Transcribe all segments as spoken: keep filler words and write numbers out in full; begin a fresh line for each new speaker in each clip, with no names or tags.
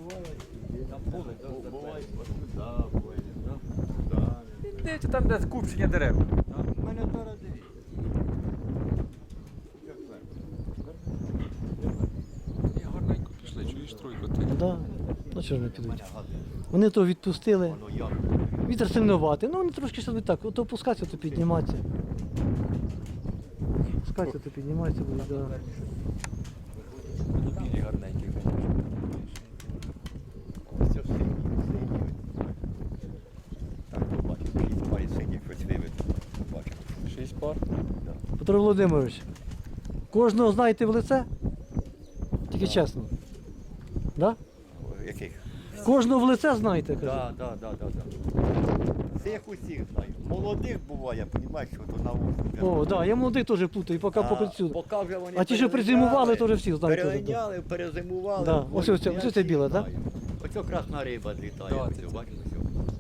Буває, да, буває, да.
Дивіться, там де скупчення дерев.
У мене зараз дивіться. Як
І гарненько пішли, чуєш тройку ти.
Да. Ну чого ж не підуть? Вони то відпустили.
воно як?
Вітер сильнуватий. Ну вони трошки ще так, то опускатися, то підніматися. Опускатися, то підніматися буде, да.
Ну, білі гарненькі.
Ось це синій, синій. Так, побачив, шість парі синіх, хоч виведу. Побачив.
Шість пар.
Петро Володимирович, кожного знаєте в лице? Тільки чесно. Да?
Яких?
Кожного в лице знаєте, кажу.
Так, так, так, так. Цих усіх знаю. Молодих буває, розумієш, що то на вулиці.
О, так, да, я молодий теж плутаю, поки поки цю.
Поки вже вони
А ті, що призимували, то вже всі знають. теж, да.
Переганяли, перезимували.
Да. Ось ось це- ось це біле, так?
Оце красна риба злітає.
Да,
ось
це-
це,
це.
бачиш, ось.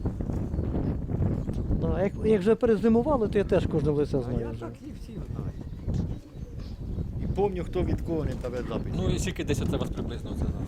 Да, як, як вже перезимували, то я теж кожного в лице
А
знаю.
я
вже.
так і всі знаю. І пам'ятаю, хто від кого не тебе запит.
Ну і скільки десь це вас приблизно це зараз?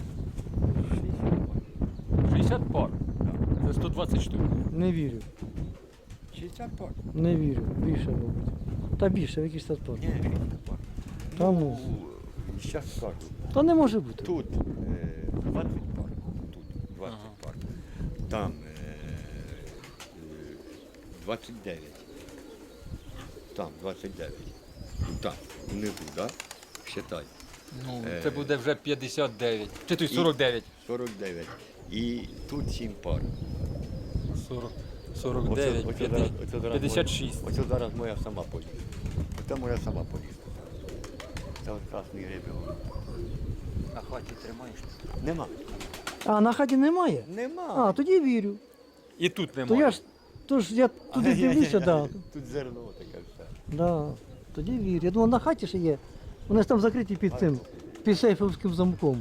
шістдесят пар. Це сто двадцять штук.
Не вірю.
шістдесят пар.
Не вірю. Більше, мабуть. Та більше, в якийсь статпор.
Ні, шістдесят пар.
Та ну.
Зараз скажу.
Та не може бути.
Тут е, двадцять пар. Тут двадцять
Ага.
пар. Там е, е, двадцять дев'ять. Там двадцять дев'ять. І там, внизу, так? Считай.
Ну,
Е.
це буде вже п'ятдесят дев'ять. Чи то й сорок дев'ять.
сорок дев'ять. І тут сім пар.
сорок, сорок дев'ять,
Оце- оце зараз- оце зараз
п'ятдесят шість.
моя- Оце зараз моя сама полізла. Оце моя сама полізла. Це от красний рибі.
На хаті тримаєш?
Нема.
А, на хаті немає?
Нема.
А, тоді вірю.
І тут
То
немає.
я ж, то ж я туди дивлюся, да.
Тут зерно таке все.
Да. Тоді вірю. Я думав, на хаті ще є. Вони ж там закриті під цим, під сейфовським замком.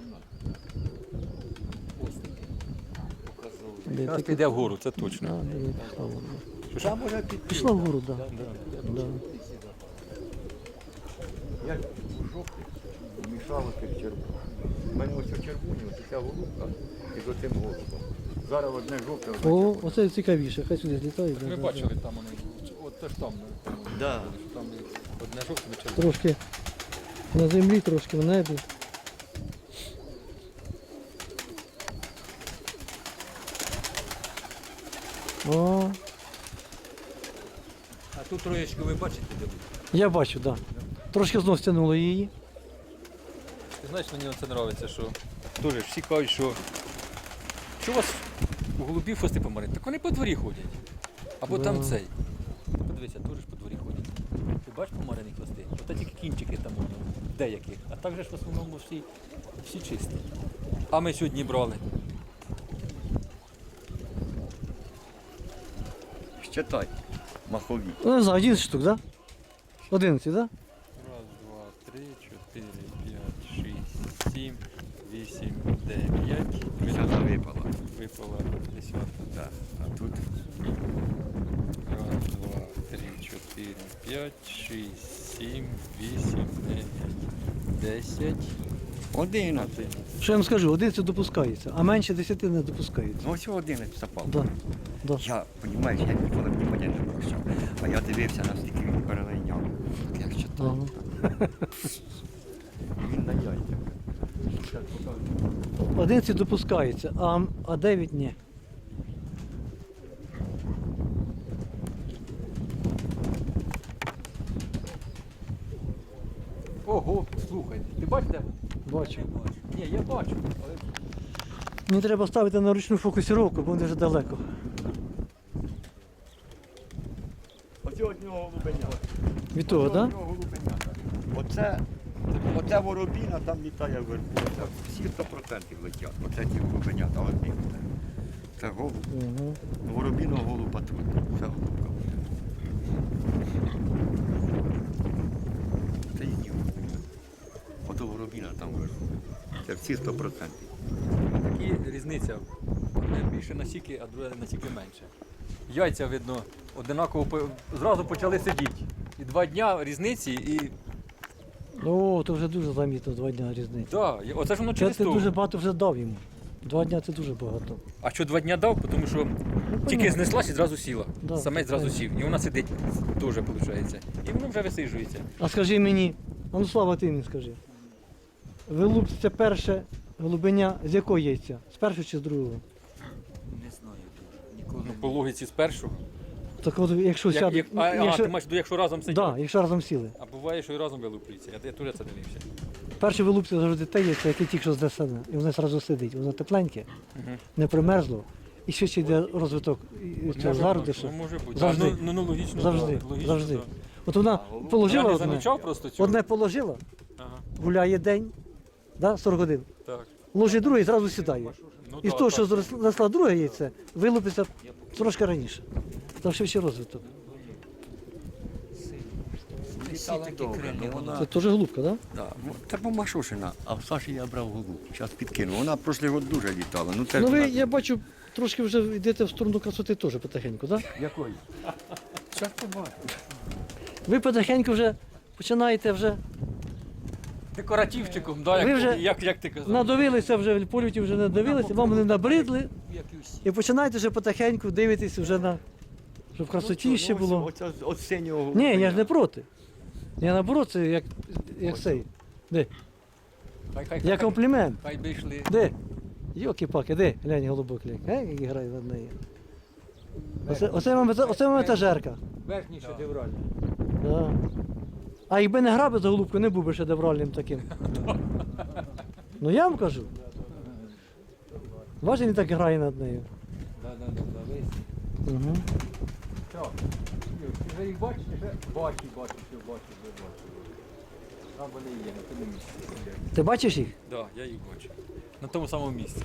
Де
Зараз
таке-
піде вгору, це точно.
Да, де пішла вгору.
Там може піти.
Пішла вгору, так. Да. Да.
Я ж у жовтих мішало тих червоних. У мене ось у червоні, ось ця голубка і з оцим голубом. Зараз одне жовте, одне
О,
червоне.
оце цікавіше, хай сюди злітає. да,
Ми
да,
бачили там вони. От теж там. ну,
Да.
Там одне жовте
да.
червоне.
Трошки на землі, трошки в небі. О,
А тут троєчку ви бачите, де буде?
я бачу, так. Да. Трошки знов стягнуло її.
Ти знаєш, мені це подобається, що теж всі кажуть, що, що у вас у голубів хвости помарить. Так вони по дворі ходять. Або
Да.
там цей. Подивися, теж по дворі ходять. Ти бачиш помарені хвости? Ото тільки кінчики там у нього, деяких. А так же ж в основному всі, всі чисті. А ми сьогодні брали.
Считай, махові.
Ну, не знаю, одинадцять штук, так? Да? одинадцять, так? Да?
Раз, два, три, чотири, п'ять, шість, сім, вісім, дев'ять.
Десята випала.
Випала десята.
Да. А тут
Раз, два, три, чотири, п'ять, шість, сім, вісім, дев'ять, десять,
одинадцять.
один.
Що я вам скажу, одинадцять допускається, а менше десяти не допускається.
Ну ось одинадцять запав.
Да. Да.
Я, розумієш, я ніколи внимання не обращав. А я дивився, наскільки він перелиняв. Як читав.
Ага.
Він на яйцях. Щас покажу.
одинадцять допускається, а, а дев'ять ні.
Ого, слухай, ти бачиш де?
Бачу.
Ні, я бачу. Але...
Мені треба ставити на ручну фокусировку, бо вони вже далеко.
Оце одного голубеня.
Від того,
Оце
так?
одного голубеня. Оце, оце воробіна там літає вверху. Оце всі сто процентів летять. Оце ті голубенята одні. Це голуб.
Угу.
Воробіного голуба тут. Це голубка. Це їхні голубі. Ото воробіна там вверху. Це всі сто процентів.
Такі різниця. Одне більше насіки, а друге насіки менше. Яйця, видно, одинаково по- зразу почали сидіти. І два дня різниці, і
О, то вже дуже замітно два дні різниці.
да, і оце ж воно
Це
через
ти
то.
дуже багато вже дав йому. Два дня це дуже багато.
А що два дня дав, тому що тільки
понятно.
знеслась і зразу сіла.
Да,
Самець зразу
понятно.
сів. І вона сидить теж, виходить. І воно вже висиджується.
А скажи мені, а ну Слава, ти мені скажи. Вилуп це перше голубеня з якого яйця? З першого чи з другого?
Не знаю дуже. Ніколи
Ну,
не
по логіці спершу.
Так от якщо
Як,
сяде.
як, а,
якщо,
а, ти маєш, ну, якщо разом сидять.
да, якщо разом сіли.
А буває, що і разом вилуплюється. Я, я теж це дивився.
Перше вилуп це завжди те яйце, яке тільки що знесене. І воно одразу сидить. Воно тепленьке,
Угу.
не примерзло. І ще ще йде розвиток і- і цього зародишу.
Ну, може бути.
Завжди.
А, ну, ну, ну, логічно.
Завжди,
да, логічно,
завжди.
Да.
От вона положила
Я не
одне,
замічав просто цього.
одне положила,
Ага,
гуляє день, да, сорок годин.
так.
Ложить друге і зразу сідає.
Ну,
І з
да,
того,
так.
що знесла друге яйце, вилупиться трошки раніше. Там ще ще розвиток.
всі такі крилі.
Це теж голубка, так?
Да. Це помашушина, а в Саші я брав голуб. Зараз підкину. Вона прошлий год дуже літала. Ну, це
Ну
ж
ви,
вона-
я бачу, трошки вже йдете в сторону красоти теж потихеньку, так?
Якої? Зараз побачимо.
Ви потихеньку вже починаєте вже,
Декоративчиком, да,
Ви
як,
вже
як, як ти казав.
надивилися вже, в польоті вже надивилися, вам вони набридли,
Як і всі.
і починаєте вже потихеньку дивитися вже на, щоб в красоті ще було.
Оце от синього
Ні, я ж не
голубеня.
проти. Я наоборот, це як, як цей. Де?
Хай, хай,
Я
хай,
комплімент.
хай би йшли.
Де? Йоки-паки, де? Глянь, голубок, глянь. Е, як грає над нею. Оце, оце, вам, оце вам етажерка.
Верхній шедевральний.
Да. А якби не грав би за голубку, не був би шедевральним таким. Ну я вам кажу. Бачите, він так грає над нею.
Да, да, да, да, весь.
Угу.
Що? Ти вже їх бачиш? Вже бачу, бачу, що бачу, вже бачу. Там вони є, на тому місці.
Ти бачиш їх?
Так, да, я їх бачу. На тому самому місці.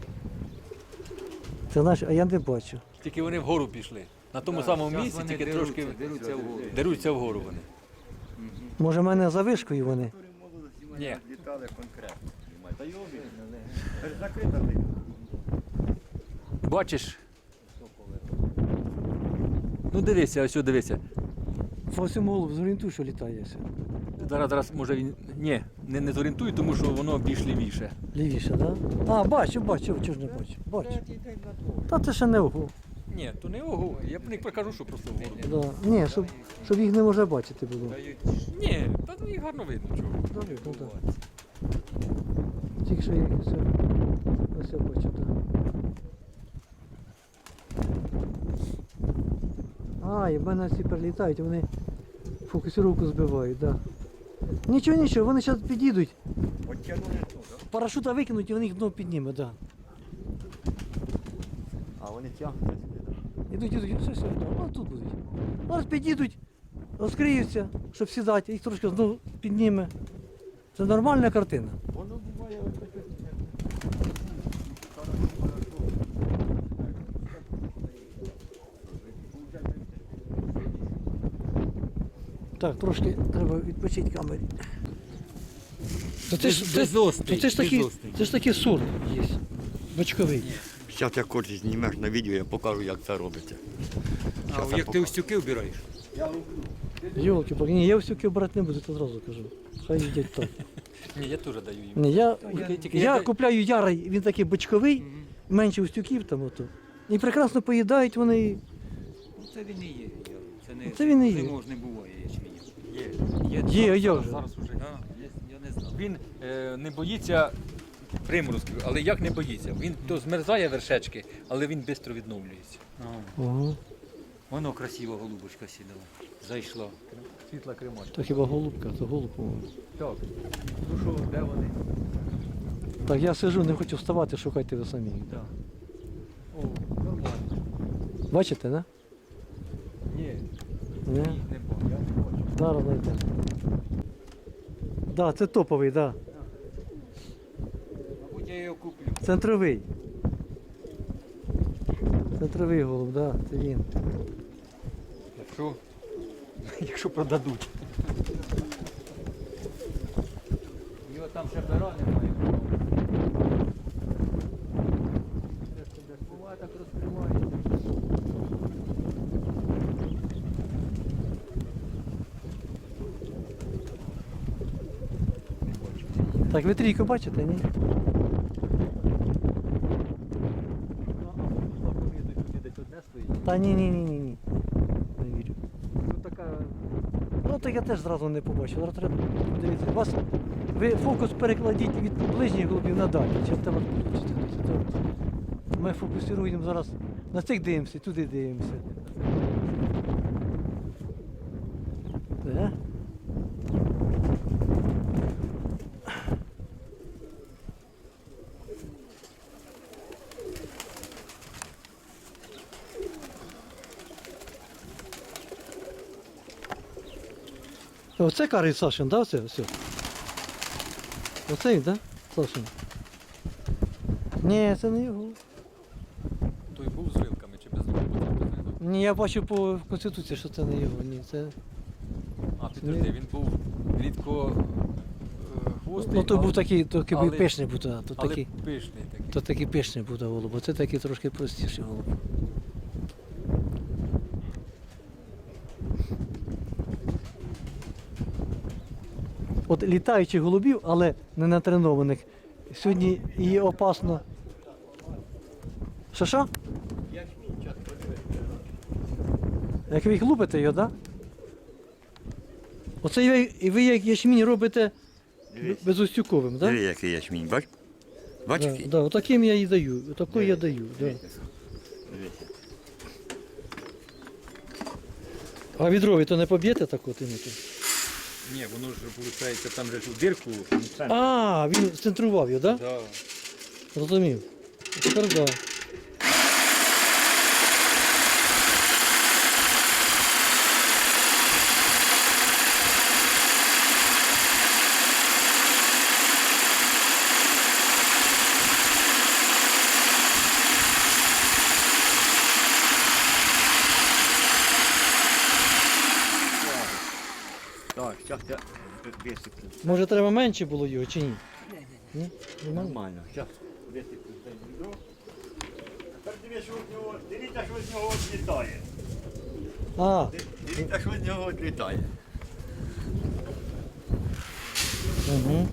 Це знаєш, а я не бачу.
Тільки вони вгору пішли. На тому самому
Щас
місці,
вони
тільки
деруться,
трошки
деруться вгору.
деруться вгору вони.
Може, в мене за вишкою вони.
Ні.
Літали конкретно. Та й обі. Це ж закрита лига.
Бачиш? Ну дивися, ось ось дивися.
По всьому голову зорієнтуй, що літає. все.
Зараз, зараз може він. Ні, не, не зорієнтую, тому що воно більш лівіше.
Лівіше, так? Да? А, бачу, бачу, чого ж не бачу. Бачу. Та це ще не ого.
Ні, то не ого. Я б не покажу, що просто вгору.
Да. Ні, щоб, щоб їх не може бачити було.
Ні, та ну, їх гарно видно чого.
Да, ну, да. Тільки що я все, все бачу, так. А, і в мене всі перелітають, вони фокусировку збивають, так. Да. Нічого, нічого, вони зараз підійдуть,
От тягнули тут, да?
парашута викинуть і вони їх дно підніме, так. Да.
А вони тягнуться сюди, так?
Ідуть, ідуть, все, все, да. О, тут будуть. Зараз підійдуть, розкриються, щоб сідати, їх трошки знову підніме. Це нормальна картина.
Воно буває ось таке.
Так, трошки треба відпочити камері. То це ж,
Без-
це,
безострий,
то це ж такий,
безострий.
це ж такий сорт є. Бочковий.
Зараз як хочеш знімеш на відео, я покажу, як це робиться.
А
Щас я
як ти
покажу.
устюки вбираєш?
Йолки, паки ні, я всюки брати не буду, то зразу кажу. Хай їдять так.
Ні, я теж даю їм.
Ні, я,
Тільки- тільки
я
я-
купляю ярий, він такий бочковий, менше устюків там ото. І прекрасно поїдають вони. і-
Ну це він і є. Це не,
Це він і є.
зимов ж не буває ячменю.
Є.
Є,
зараз,
є
зараз,
вже.
зараз вже.
А, я, я не знав.
Він е, не боїться приморозків, але як не боїться? Він то змерзає вершечки, але він швидко відновлюється.
Ага.
Воно красиво голубочка сідала. Зайшла.
Світла кремачка.
То хіба голубка, то голуб. по-моєму.
Так. Ну що, де вони?
Так, я сижу, не хочу вставати, шукайте ви самі.
Так. О, нормально.
Бачите, не?
Ні,
Ні?
ні, не бачу. Я не бачу.
Зараз знайдемо. Да, це топовий, да.
Мабуть, я його куплю.
Центровий. Центровий голуб, да, це він.
Якщо, якщо продадуть.
Його там ще пера немає. Буває так розкривається.
Так, ви трійку бачите, ні? Та ні, ні, ні, ні, ні. Не вірю.
Ну така.
Ну так я теж зразу не побачив. Зараз треба подивитися. Вас, ви фокус перекладіть від ближніх голубів на дальні. Чи те вас включити? Ми фокусуємо зараз на цих дивимося, туди дивимося. Де? Оце карий Сашин, да, оце? Оце, оце він, да? Сашин. Ні, це не його.
Той був з рилками чи без рилок?
Ні, я бачу по Конституції, що це не його. Ні, це...
А, підожди, він був рідко е, хвостий,
Ну, то
але-
був такий, то такий
але-
пишний був, а, то
але
такий,
пишний такий.
то такий пишний був та голуб, а це такий трошки простіший голуб. От літаючих голубів, але не натренованих, сьогодні її опасно. Що що? Як ви їх лупите його, так? Да? Оце ви, і ви як ячмінь робите
Дивись.
безустюковим, так? Да?
Диви, який ячмінь, бач? Бач,
Да,
який?
да, отаким я і даю, отакий я даю. Да.
Дивися.
А відрові то не поб'єте так от інити?
Ні, воно ж виходить, там же ж у дирку.
А, він центрував його, так? Да?
Да.
Розумів. Тепер так. Да.
Так, зараз я висиплю.
Може треба менше було його чи ні? Ні? Нормально?
Нормально. Зараз висиплю це відро. Тепер дивіться, що з нього, дивіться, що з нього відлітає.
А,
Дивіться, що з нього відлітає.
угу.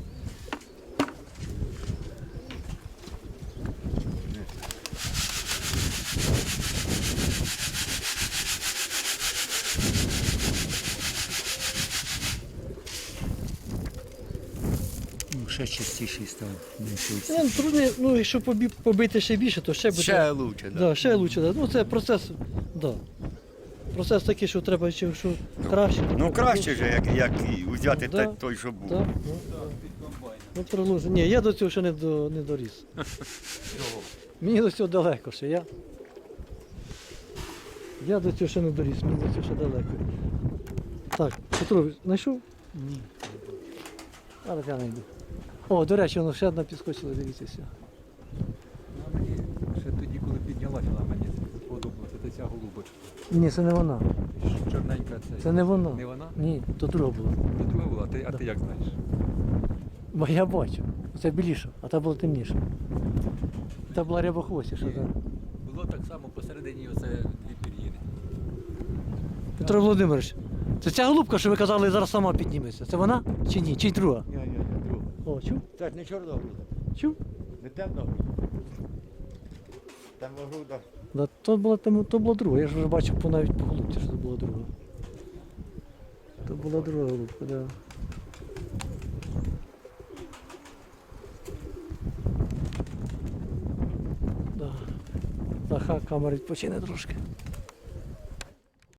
Ну, ще частіший став. менше
Ну,
усіх.
трудно, ну, якщо побі- побити ще більше, то ще буде.
Ще лучше,
Да,
да.
ще краще. Да. Ну це процес, да. Процес такий, що треба ще що краще.
Ну краще ж, як, як і взяти
Да.
те- той, що був.
Да, ну, ну, приложу. Ні, я до цього ще не, до, не доріс. Мені до цього далеко ще. Я, я до цього ще не доріс, мені до цього ще далеко. Так, Петро, знайшов?
Ні.
Зараз я знайду. О, до речі, воно ще одна підскочила, дивіться. все.
Вона мені ще тоді, коли піднялася, вона мені сподобалася. Це ця голубочка.
Ні, це не вона.
Чорненька це.
Це не вона.
Не вона?
Ні, то друга була.
Це друга була, а ти, а ти як знаєш?
Бо я бачу. Це біліша, а та була темніша. Та була рябохвостіша,
Ні.
так.
Було так само посередині оце дві пір'їни.
Петро Володимирович, це ця голубка, що ви казали, зараз сама підніметься. Це вона чи ні? Чи друга?
Ні, ні, друга.
О, чув?
Це ж не чорногруда,
Чув?
не темногруда. Темногруда.
Да, то була, то, то була друга. Я ж вже бачив по, навіть по голубці, що це була друга. То була друга голубка, так. Да. Да. Та хай камера відпочине трошки.